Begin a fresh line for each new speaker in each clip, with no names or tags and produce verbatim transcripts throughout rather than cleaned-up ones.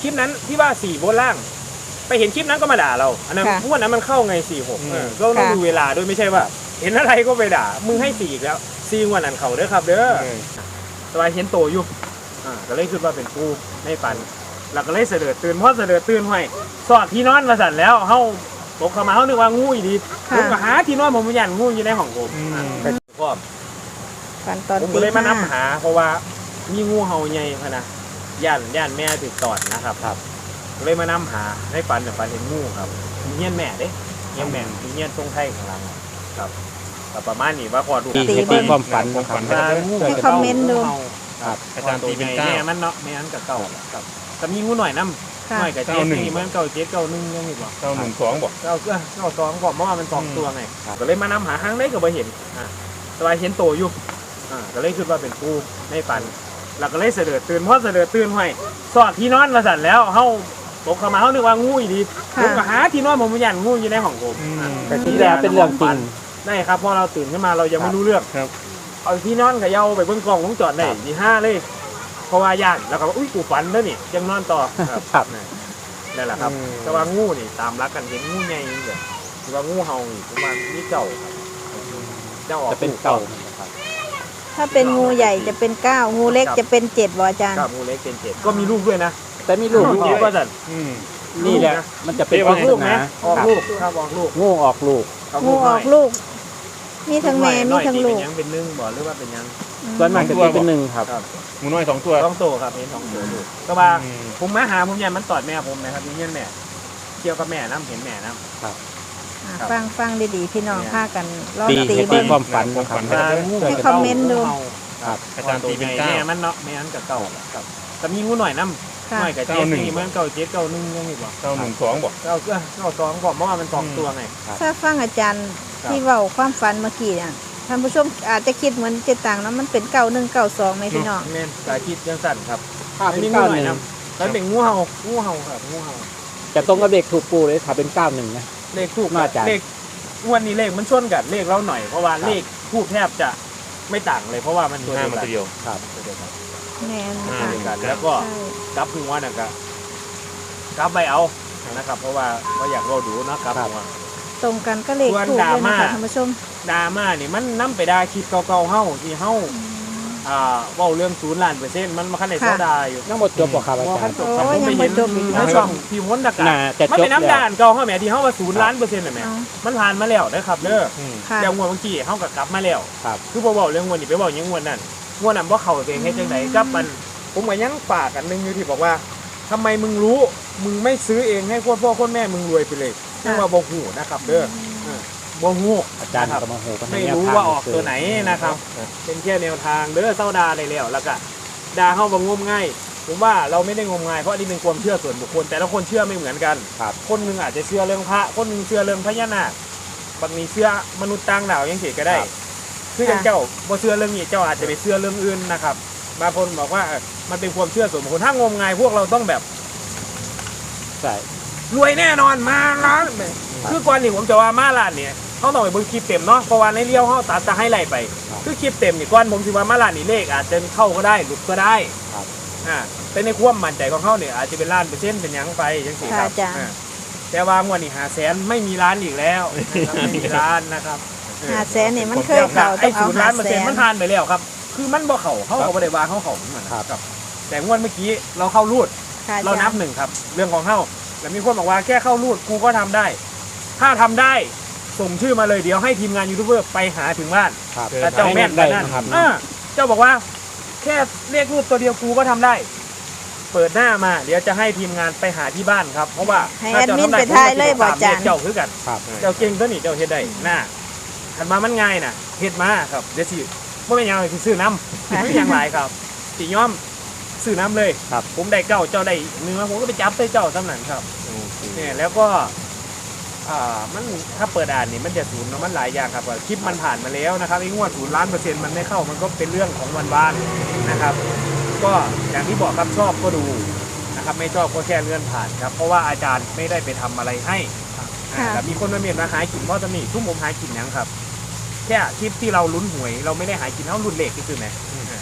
คลิปนั้นที่ว่าสี่บนล่างไปเห็นคลิปนั้นก็มาด่าเราอันนั้นงวดนั้นมันเข้าไงสี่หกก็ต้องดูเวลาด้วยไม่ใช่ว่าเห็นอะไรก็ไปด่ามึงให้สี่อีกแล้วสี่งวดนั้นเขาเด้อครับเด้อสบายเห็นโตอยู่อ่าก็เลยคิดว่าเป็นกูในฝันเราก็เลยเสด็จตื่นเพราะเสด็จตื่นห้อยสอดที่นอนมาสั่นแล้วเฮาตกเข้ามาเฮานึกว่างูอีดีผมก็หาที่นอนผมยันงูอยู่ในห้องผมก็ก็
ฝันตอน
ผมก็เลยมานำหาเพราะว่ามีงูเห่าใหญ่พะนะย่านย่านแม่ติดตอดนะครับครับก็เลยมานำหาในฝันแต่ฝันเห็นงูครับมีเงี้ยนแม่เด้เงี้ยนแม่มีเงี้ยนตรงไทยข้างหลังครับประมาณนี้ว่าพอดู
ตีความฝันนะครับ
ให้คอมเมนต์ดู
ครับอาจารย์ตีเป็นเก้าแม่มันเนาะแม่นั้นกับเก้าครับแต่มีงูหน่อยน้ำหน่อยกับเจ็ดนี่มันเก้าเจ็ดเก้าหนึ่งยังอีกบ่
เก้าหนึ่งสองบ่
เก้าเก้าสองบอกว่ามันสองตัวไงก็เลยมานำหาหางได้ก็ไปเห็นอ่าสบายเห็นโตอยู่อ่าก็เลยคิดว่าเป็นกูในฝันเราก็เลยเสด็จตื่นเพราะเสด็จตื่นห้อยสอดที่นอนมาสั่นแล้วเฮาตกเข้ามาเฮานึกว่างูอีดีผมก็หาที่นอนผมยันงูอยู่ในห้องผม
แต่ที่แล้วเป็นเรื่องจริง
ได้ครับพอเราตื่นขึ้นมาเรายังไม่รู้เรื่องเอาที่นอนกับเยาไปเบิ้งกล้องวงจรได้ที่ห้าเลยเพราะว่าย่านแล้วก็อุ้ยกูฝันแล้วนี่ยังนอนต่อครับนั่นแหละครับแต่ว่างูนี่ตามรักกันเห็นงูใหญ่เลยคือว่างูเห่านี่ประมาณนี่เก่าเจ้าออก
จะเป็นเก่า
ถ้าเป็นงูใหญ่จะเป็นเก้างูเล็กจะเป็นเจ็ดบ่อาจารย์
งูเล็กเป็นเจ็ดก็มีลูกด้วยนะ
แต่มีลูก
เยอะก็จัด
นี่แหละมันจะเป็นออก
ลูกนะออกลูกครับออกลูก
งูออกลูก
งูออกลูกมีทั้งแม่มีทั้งลูก
เป็นยังเป็นนึ่งบ่หรือว่าเป็นยัง
ส่วนมากจะเป็นหนึ่งครับงูน้อยสองตัว
สองตัวครับเห็นสองตัวลูกก็ว่าผมมาหาผมยันมันตอดแม่ผมนะครับนี่เนี่ยแม่เกี่ยวกับแม่น้ำเห็นแม่น้ำ
ครับ
ฟังฟังดีๆพี่น้องพากัน
ลองตีตีความฝันนะครับ
ให้คอมเมนต์ดู
ครับ
อาจารย์ตีเป็นเก้าแม่มันเนาะแม่นั้นกับเก้าครับแต่มีงูหน่อยน้ำหน่อยกับเจ็ดนี่มันเก้าเจ็ดเก้าหนึ่งยังอีกบ่
เก้าหนึ่งสองบ่
เก้าเก้าสองบอกว่ามันสองตัวไง
ถ้าฟังอาจารย์ที่เว้าความฝันเมื่อกี้เนี่ยท่านผู้ชมอาจจะคิดเหมือนเจตังนะมันเป็นเก้าหนึ่งเก้าสองไหมพี่น้อง
แม่นสายคิดยังสั่นครับถ้าเป็นงูหน่อยน้ำแล้วเป็นงูเห่างูเห่าครับงูเห่า
จะตรงกับเลขถูกปูเลยถ้าเป็นเก้าหนึ่งนะ
เลขถูกมาจากเลขวันนี้เลขมันชนกันเลขเราหน่อยเพราะว่าเลขทูบแทบจะไม่ต่างเลยเพราะว่ามัน
ตัวเดียวครับ
แน่น
กันแล้วก็กับหัวน่ะก็กับใบเอานะครับเพราะว่าเราอยากเราดูนะกับหัว
ตรงกันก็เลขถูกเลยนะคะท่านผู้ชม
ดราม่านี่มันนำไปได้คลิปเก่าๆเฮ้าที่เฮ้าอ่าว่าเรื่องศูนย์ล้านเปอร์เซ็นต์มันมาขั้นในโซดาอยู่
ทั้งหมดจบบ่ครับอาจารย์
ผมไปเห็นในช่องพิมพ์วนดักกันมันเป็นน้ำด่านเก่าเฮ้าแม่ที่เฮ้าว่าศูนย์ล้านเปอร์เซ็นต์เลยแม่มันผ่านมาแล้วนะครับเด้อแต่งวดเมื่อกี้เฮ้ากับกลับมาแล้วคือบอกเรื่องงวดนี้ไปบอกยังงวดนั่นงวดนั้นว่าเขาเองให้จังไหนกับมันผมก็ยังฝากกันนึงอยู่ที่บอกว่าทำไมมึงรู้มึงไม่ซื้อเองให้พ่อพ่อคนแม่มึงรวยไปเลยนั่นว่าบ่หูนะครับเด้อบ่หู
อาจารย์ก็มาหู
ไม่รู้ว่าออกตัวไหนนะครับเป็นแค่แนวทางเด้อเศร้าดาได้แล้วแล้วก็ดาเข้าบ่งมง่ายผมว่าเราไม่ได้งมงายเพราะนี่เป็นความเชื่อส่วนบุคคลแต่ละคนเชื่อไม่เหมือนกันคนนึงอาจจะเชื่อเรื่องพระคนนึงเชื่อเรื่องพญานาคบางทีเชื่อมนุษย์ต่างดาวยังเฉยก็ได้คืออย่างเจ้าบ่เชื่อเรื่องนี้เจ้าอาจจะไปเชื่อเรื่องอื่นนะครับบางคนบอกว่ามันเป็นความเชื่อส่วนบุคคลถ้างมงายพวกเราต้องแบบ
ใช่
รวยแน่นอนมาล้านคือก่อนนี่ผมจะว่ามาล้านเนี่ยเขาต้องไปเบิ่งคลิปเต็มเนาะเพราะว่าในเลี้ยวเขาตัดจะให้ไล่ไปคือคลิปเต็มนี่ก่อนผมคิดว่ามาล้านนี่เลขอาจจะเข้าก็ได้หลุดก็ได้อ่าแต่ในความมั่นใจของเขาเนี่ยอาจจะเป็นล้านเปอร์เซ็นต์เป็นยังไปยังสี่ครับแต่ว่างวดนี้หาแสนไม่มีล้านอีกแล้วไม่มีล้านนะครับ
หาแสนเนี่ยมันเคยเข่า
ไอ้ศูนย์ล้านเปอร์เซ็นต์มันผ่านไปแล้วครับคือมันบ่เข่าเขาเขาไม่ได้วางเขาเข่าเหมือนกันแต่งวดเมื่อกี้เราเข้ารูดเรานับหนึ่งครับเรื่องของเข้าแล้วมีคนบอกว่าแค่เข้ารูดกูก็ทำได้ถ้าทำได้ส่งชื่อมาเลยเดี๋ยวให้ทีมงานยูทูบเบอร์ไปหาถึงบ้านแต่เจ้าแม่นได้นะครับเจ้าบอกว่าแค่เรียกรูดตัวเดียวกูก็ทำได้เปิดหน้ามาเดี๋ยวจะให้ทีมงานไปหาที่บ้านครับเพราะว่า
ถ้าเจ้าทำได้กูจะตาม
เจ้าคือกันเจ้าเก่งตัวนี้เจ้าเฮ็ดได้หน้าถัดมามันง่ายนะเฮ็ดมาครับเดี๋ยวสิไม่เป็นยังไงคือซื้อน้ำไม่เป็นยังไรครับสีย้อมซื้อน้ำเลยครับผมได้เก้าเจ้าได้เนื้อผมก็ไปจับใส่เจ้าสำนักครับเนี่ยแล้วก็อ่ามันถ้าเปิดอ่านนี่มันจะศูนย์มันหลายอย่างครับคลิปมันผ่านมาแล้วนะครับไอ้งวดศูนย์ล้านเปอร์เซ็นต์มันไม่เข้ามันก็เป็นเรื่องของวันวานนะครับก็อย่างที่บอกครับชอบก็ดูนะครับไม่ชอบก็แค่เลื่อนผ่านครับเพราะว่าอาจารย์ไม่ได้ไปทำอะไรให้แต่มีคนมาเมียนมาหากินเพราะจะมีทุ่มผมหากินยังครับแค่คลิปที่เราลุ้นหวยเราไม่ได้หากินเท่าลุ้นเลขที่คือไหม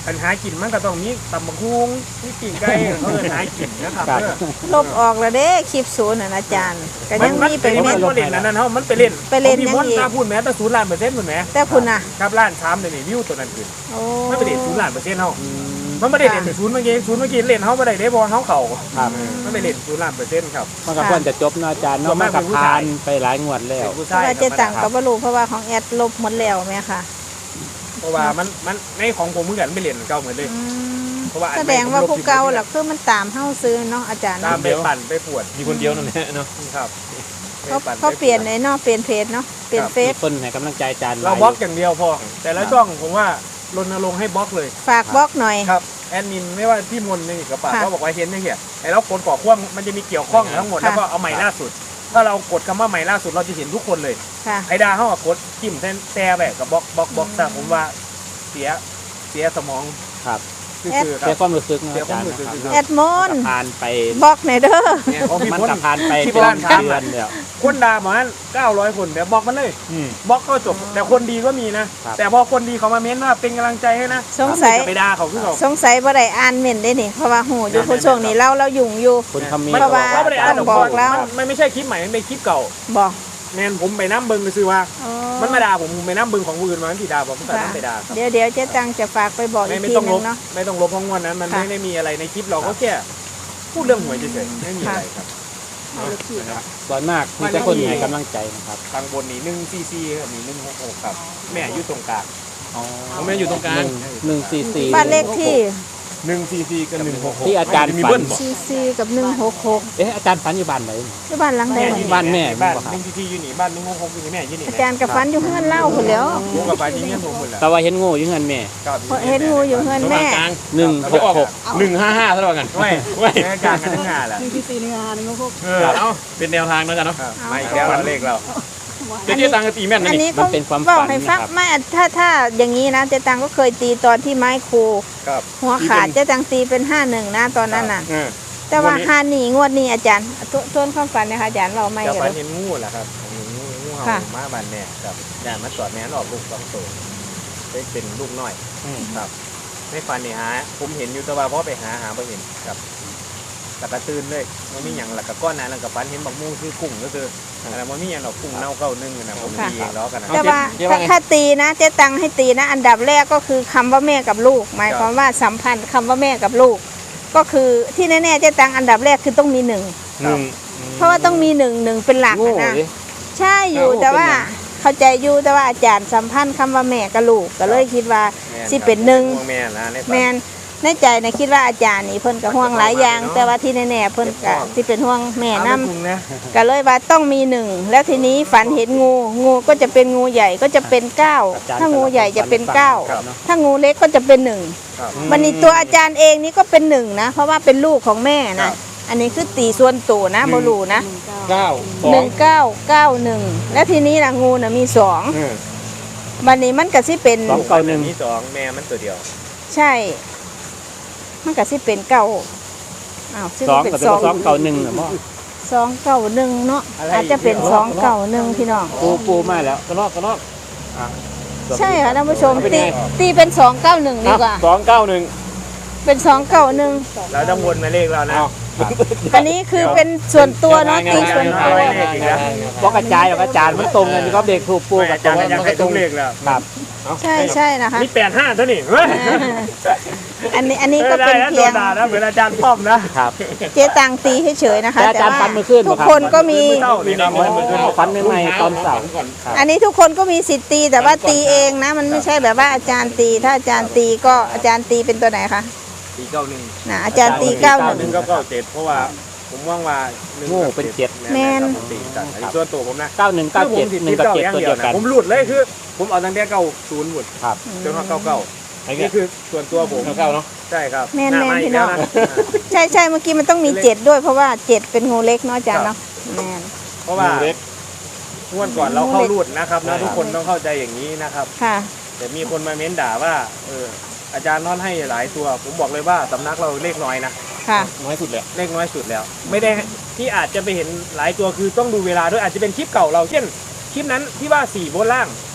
ปัญหากินมันก็ต้องมีตำบักหุ่งมีปิ้งไก่เขาเอิ้นหากินนะครับ
ครับ
เออ
ลบออกแล้วเด้คลิปศูนย์น่ะอาจารย์ก็ยังมีเป็น
มั
เม็
น
ด
บ่เล่นอันนั้นเฮามันไปเล่น
ไปเล่น
ของพี่
ยัง
มด
อีก
ตาพูดแม้แต่ศูนย์ล้านเปอร์เซ็นต์พุ่นแหม
แต่คุณน่ะ
ครับล้านสามเดี๋ยวนี้วิวตัวนั้นขึ้น
โอ้
มันไปเล่นศูนย์ล้านเปอร์เซ็นต์เฮา
อืม
มันไม่ได้เล่นแต่ศูนย์เมื่อกี้ศูนย์เมื่อกี้เล่นเฮาบ่ได้เด้บ่เฮาเข้า
ครับ
มันไปเล่นศูนย์ล้านเปอร์เซ็นต์ครับ
มันก็ควรจะจบเนาะอาจารย์
ส่ว
เนาะ
น
มั
มาน ก
ก็
เป็นผู้
ผ่า
ชาย
นไปหลายงวดแล้ว
เป็นผู้
เพ
ชาย
ราะว่าเจ๊ตังก็บ่รู้เพราะว่าของแอดลบหมดแล้วแม่ค่ะ
เพราะว่ามันมันในของผมเหมือนกันไม่เล่นเก่าเหมือนเลย
อืม
เพราะว่าอัน
แสดงว่าผู้เก่าหลักคือมันตามเฮาซื้อเนาะอาจารย์
ตาม
เนาะ
ไปปั่นไปปวด
มีคนเดียวนั่นแหละเนาะ
ครับ
เขา
ไปปั่
เขา
ไ
เปลี่ยนในเนาะเปลี่ยนเพจเนาะเปลี่ยนเฟ
มี
ซ
คนให้กำลังใจอาจารย์หล
เรา
ย
บล็อกอย่างเดียวพอ แต่ละช่องผมว่ารณรงค์ให้บล็อกเลย
ฝากบล็อกหน่อย
ครับแอดมินไม่ว่าพี่มนต์นี่กับป่า
ค่ะ
ก็บอกว่าเห็นนี่เหี้ยไอ้เรากดก่อความมันจะมีเกี่ยวข้องทั้งหมด
ค่ะ
แล้วก็เอาใหม่ล่าสุด ถ้าเรากดคำว่าใหม่ล่าสุดเราจะเห็นทุกคนเลย
ค่ะ
ไอ้ดาเขาอะกดจิ้มแทนแต่แบบกับบล็อกบล็อกบล็อกแต่ผมว่าเสียเสียสมอง
ครับ
คือคือค
เสี
รั
ย
บ
ความรู้สึกเนาะ
เสีย
อาจารย์
ความรู้สึก
นะครับ
แอดมอน
มันก็ผ่านไป
บล็อกหน่อยเด้อ
เนี่ยของพี่
มัน
พล
ก็ผ่านไป
ที่
เป็น
บ้าน
เดื
ถาม
อนเดียว
คนด่าประมาณเก้าร้อยคนเดี๋ยวบล็อกมันเลย
อืม
บล็อกก็จบ แต่คนดีก็มีนะ
ครับ
แต่พอคนดีเขามาเม้นว่าเป็นกำลังใจให้นะ
สงสัย
จะไปด่าเขาคือเขา
สงสัยบ่ได้อ่านเม่นได้นี่เพราะว่าหูอยู่ผู้ช่วงนี้เราเรายุ่งอยู่
คุณคำมี
มัน
เพราะว่า
เขาไม่ได้อ่าน
ต้องบอกแล้ว
มันมันไม่ใช่คลิปใหม่มันเป็นคลิปเก่า
บอก
แมนผมไปน้ำเบิงไปซื้อว่า
อ๋อ
มันมาด่าผมผมไปน้ำเบิงของผู้อื่นมามันที่ด่าผมผมก็
ค่ะ
น้ำไปด่าครับ
เดี๋ยวเดี๋ยวเจ๊ตังจะฝากไปบอกอี
ไม่
ก
ไม่
ที
ต้อง
ห
ล
นึ
บ
งเนาะ
ไม่ต้องลบเพราะวันนั้นมัน
ค่ะ
ไม่ได้มีอะไรในคลิปเราก็แค่พูดเรื่องหวยเฉยๆไม่มีอะไรครับ
เอาอีกที
นะครับ
ส่วนมากมีแต่คนให้กำลังใจนะครับ
ทางบนนี่หนึ่งซีซีครับนี่หนึ่งหกหกครับแม่อยู่ตรงกลาง
ผมแม่อยู่ตรงกลาง
หนึ่งสี่สี่
บ้านเลขที่
หนึ่งซีซีกับหนึ่งหกหก
ที่อาจารย์
มี
ฝั
เบิ้
น
ลบ่
ซีซีกับหนึ่งหกหก
เอ๊ะอาจารย์ฝันอยู่บ้านไหน
ที่บ้านหลังใด
แม่
วะ
อยู่
บ้านแม่
บ้าน
บ่ครับ
หนึ่งซีซีอยู่นี่บ้านหนึ่งหกหกอยู่นี่แม่อยู่นี่
อาจารย์กับฟันอยู่เฮือนเล่าคนแหล้ว
ผมกับไปที่เนี่ยผมหมดแล้ว
แต่ว่าเห็นงูอยู่เงินแม่
ครับ
เห็นงูอยู่เฮือนแม่
กลาง
หนึ่งหกหก
หนึ่งห้าห้าเท่ากัน
ไม่
ไม่
แม่กลางกันทั้งงานแหละ
เออเอาเป็นแนวทางแล้วกันเนาะ
ครับไม่แล้วเราเลขเรา
เจ๊เจ๊ตังก็ตีแม่นนะ
อัน
นี่
นี้
มั
ก็
นเป็นความ
บอ
ฝั
ก
น
ให้
นะ
ฟัง
ครับ
ไม่ถ้าถ้าอย่างนี้นะเจ๊ตังก็เคยตีตอนที่ไม้ครู
ครับ
หัวขาดเจ๊ตังตีเป็นห้าหนึ่งนะตอนนั้นน่ะ
เออ
แต่ว่า
วันนี้
ห้าหนีงวดนี้อาจารย์ทวนทวนความฝันนะคะอาจารย์เราไม่
จะ
กัน
ฝัน
เลย
เห็นงูแหละครับเห็นงูงูเห่า
ค่ะ
มาบานแม่ครับด่านมาจอดแม่นออกลูกสองตัวเป็นเป็นลูกน้อยครับไม่ฝันนี่หาผมเห็นอยู่แต่ว่าพอไปหาหาไม่เห็นครับแต่กระตื่นเลยมันมีอย่างหลักกับก้อนนั้นแล้วกับฝันเห็นบักมูคือกุ้งก็คืออะไรมันมีอย่างหรอกกุ้งเน่าเก้านึ่งนะผมตีเองล้อกันนะ
แต่ว่าถ้าถ้าตีนะเจ๊ตังให้ตีนะ อันดับแรกก็คือคำว่าแม่กับลูก หมายความว่าสัมพันธ์คำว่าแม่กับลูก ก็คือที่แน่ๆเจ๊ตังอันดับแรกคือต้องมีหนึ่ง
หนึ่ง
เพราะว่าต้องมีหนึ่งหนึ่งเป็นหลัก
งู
อะนะ
ดิ
ใช่อยู่
โอ้
แต่ว่า
เป็นหยัง
เข้าใจอยู่แต่ว่าอาจารย์สัมพันธ์คำว่าแม่กับลูกก็เลยคิดว่า
แม่
สิเป็นหนึ่ง
แม่นะในฝั
แมนในใจนะคิดว่าอาจารย์นี่เพิ่นก็ห่วงหลายอย่าง แต่ว่าที่แน่ๆเพิ่นก็สิเป็นห่วงแม่
เอา
นํ
ไม่ปรุงนะ
ก็เลยว่าต้องมีหนึ่งแล้วทีนี้ฝันเห็นงู งูก็จะเป็นงูใหญ่ก็จะเป็นเก้า
อาจารย์
ถ้างูใหญ่จะเป็นเก้า
ครับเนาะ
ถ้างูเล็กก็จะเป็นหนึ่ง
ครับ
มันนี่ตัวอาจารย์เองนี่ก็เป็นหนึ่งนะ เพราะว่าเป็นลูกของแม่นะอันนี้คือตีส่วนตัวนะโมลูนะ
เก้าสอ
หนึ่
ง
งเก้าเก้าหนึ่งแล้วทีนี้นะงูน่ะมีสอง
เออ
บันนี้มันก็สิเป็น
สองเก้าหนึ่ง
มีสองแม่มันตัวเดียว
ใช่ มันก็สิเป็นเก้าอ้าวซึ่ง
สอง
เป็น
กับ
สอง
สองเก้าหนึ่งเหรอพ่อ
สองเก้าหนึ่งเนาะอาจจะเป็นสองเก้าหนึ่งพี่น้อง
ปูปูมาแล้ว
กระรอกกระรอก
ใช่ค่ะท่านผู้ชมตีตีเป็นสองเก้าหนึ่งดีกว่า
สองเก้าหนึ่ง
เป็นสองเก้าหนึ่ง
เราต้องวนมาเลขเรานะ
อันนี้คือเป็นส่วนตัวเนาะตีส่วนตัว
บอกกระจายออกอาจารย์มันตรงกันกับเด็กถูกปู
ไม่
กับ
อา
ตร
จารง ย์
กัน
อยาก
มัน
ให้
ก็ต
ทุ
รง
กเลขแล้ว
ครับ
ใช่ใช่นะคะ
มีแปดห้าเท่านี้เฮ้ย
อันนี้อันนี้ก็เป็น
ได้ะ
เพียง
โดนด่านะเหมือนอาจารย์ป้อมนะครับ
เจ๊ตังตีเฉยๆนะคะ
แต่อาจารย์ฟันมือขึ้น
ทุก
บ่ครับ
คนก็มี
เท่านี่นะ
โอ้ฟันใหม่ๆตอนเสาร์ครับ
อันนี้ทุกคนก็มีสิทธิ์ตีแต่ว่าตีเองนะ มันไม่ใช่แบบว่าอาจารย์ตี ถ้าอาจารย์ตีก็อาจารย์ตีเป็นตัวไหนคะ
ตีเก้าหนึ่ง
นะอาจารย์ตีเก้าหนึ่ง
หนึ่งก็เก้าเจ็ดเพราะว่าผมว่างว่าหนึ่ง
โง่เป็นเจ็ด
แม่น
ตีกันอันนี้ส่วนตัวผมนะ
เก้าหนึ่งเก้าเจ็ดหนึ่งกับเจ็ดตัวเดียวกัน
ผมหลุดเลยคือ ผมเอาตั้งแต่เก้าศูนย์หมด
ครับ
จนมาเก้าเก้า
ไอ้
นี่
เงี้ย
คือส่วนตัวผม
เก้าเนาะ
ใช่ครับ
แม่น
หา
แม่น
ไม้
พี่น้อง
แล้วะ
ใช่ใช่เมื่อกี้มันต้องมีเจ็ดด้วยเพราะว่าเจ็ดเป็นงูเล็กเนาะอาจารย์เนาะแม่น
เพราะว่า
เล็ก
งวดก่อนเราเข้ารูดนะครับ
ใช่
นะทุกคนต้องเข้าใจอย่างนี้นะครับ
ค่ะ
แต่มีคนมาเม้นด่าว่าเอออาจารย์นอนให้หลายตัว ผมบอกเลยว่าสำนักเราเลขน้อยนะ
ค่ะ
น้อยสุดเลย
เลขน้อยสุดแล้ว ไม่ได้ที่อาจจะไปเห็นหลายตัวคือต้องดูเวลาด้วยอาจจะเป็นคลิปเก่าเราเช่นคลิปนั้นที่ว่าสี่บนล่าง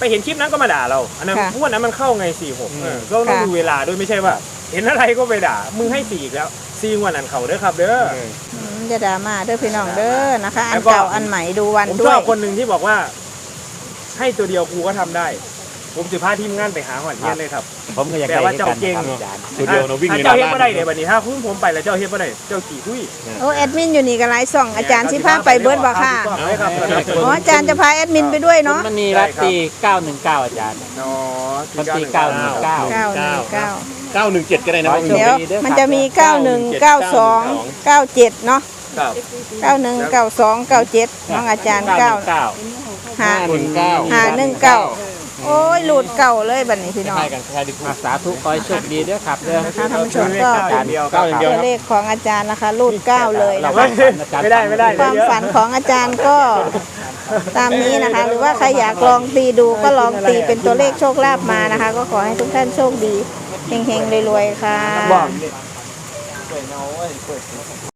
ไปเห็นคลิปนั้นก็มาด่าเราอันนั้น
ค่ะ
งวดนั้นมันเข้าไงสี่หก
อืม
ก็ต้อง
ค่ะ
ดูเวลาด้วยไม่ใช่ว่า เห็นอะไรก็ไปด่ามึงให้สี่อีกแล้วสี่งวดนั้นเขาเด้อครับเด้อ
อืมจะดราม่าเด้อพี่น้องเด้อนะคะ อั
แล้
น
วก็
เก่าอันใหม่ดูวัน
ผม
ด้
ช
ว
อย บคนหนึ่งที่บอกว่า ให้ตัวเดียวกูก็ทำได้ ผมจะพาทีมงานไปหาหอนเทียนเลยครับ
ผมก็อยาก
แต่
ได้
ว่าเจ้าเก่ง
ครับอาจารย์
ตัวเดียวเราวิ่ง
ถ้า
ในห
เจ้า
น้า
เฮ็ด
บ้าน
บ่ได้เดี๋ยวบัดนี้ถ้าคุณผมไปแล้วเจ้าเฮ็ดบ่ได้เจ้าขี่คุย
โอ้แอดมินอยู่นี่ก็หลายส่องอาจารย์สิพาไปเบิร์ดบ่ค่ะ
เอาไปครับ
อ๋ออาจารย์จะพาแอดมินไปด้วยเนาะ
มันมีรัตตีเก้าหนึ่งเก้าอาจารย์
อ๋อ
มันตีเก้าหนึ่งเก้า
เก้าหนึ่งเก้า
เก้าหนึ่งเจ็ดก็ได้นะ
ร้อย
เดี๋ยว
ดีเด้อครับ
มันจะมีเก้าหนึ่งเก้าสองเก้าเจ็ดเนาะ
ครับ
เก้าหนึ่งเก้าสองเก้าเจ็ดน้องอาจารย์เก้า
เก้า
หา
หนึ่งเก้า
หาหนึ่งเก้าโอ้ยหลุดเก่าเลยบัดนี้พี่น้อง
ใช่กันใช่ดิ
สาธุขอให้โชคดีเด้อครับเด้อ
นะคะท่านผู้ชมก็
เก้าอย่างเดียว
เก้าอย่างเดียว
ตัวเลขของอาจารย์นะคะรูดเก้าเลยนะคะ
ไม่ได้ไม่ได้
ความฝันของอาจารย์ก็ตามนี้นะคะ หรือว่าใครอยากลองตีดูก็ลองตีเป็นตัวเลขโชคลาภมานะคะ ก็ขอให้ทุกท่านโชคดีเฮงๆรวยๆค่ะ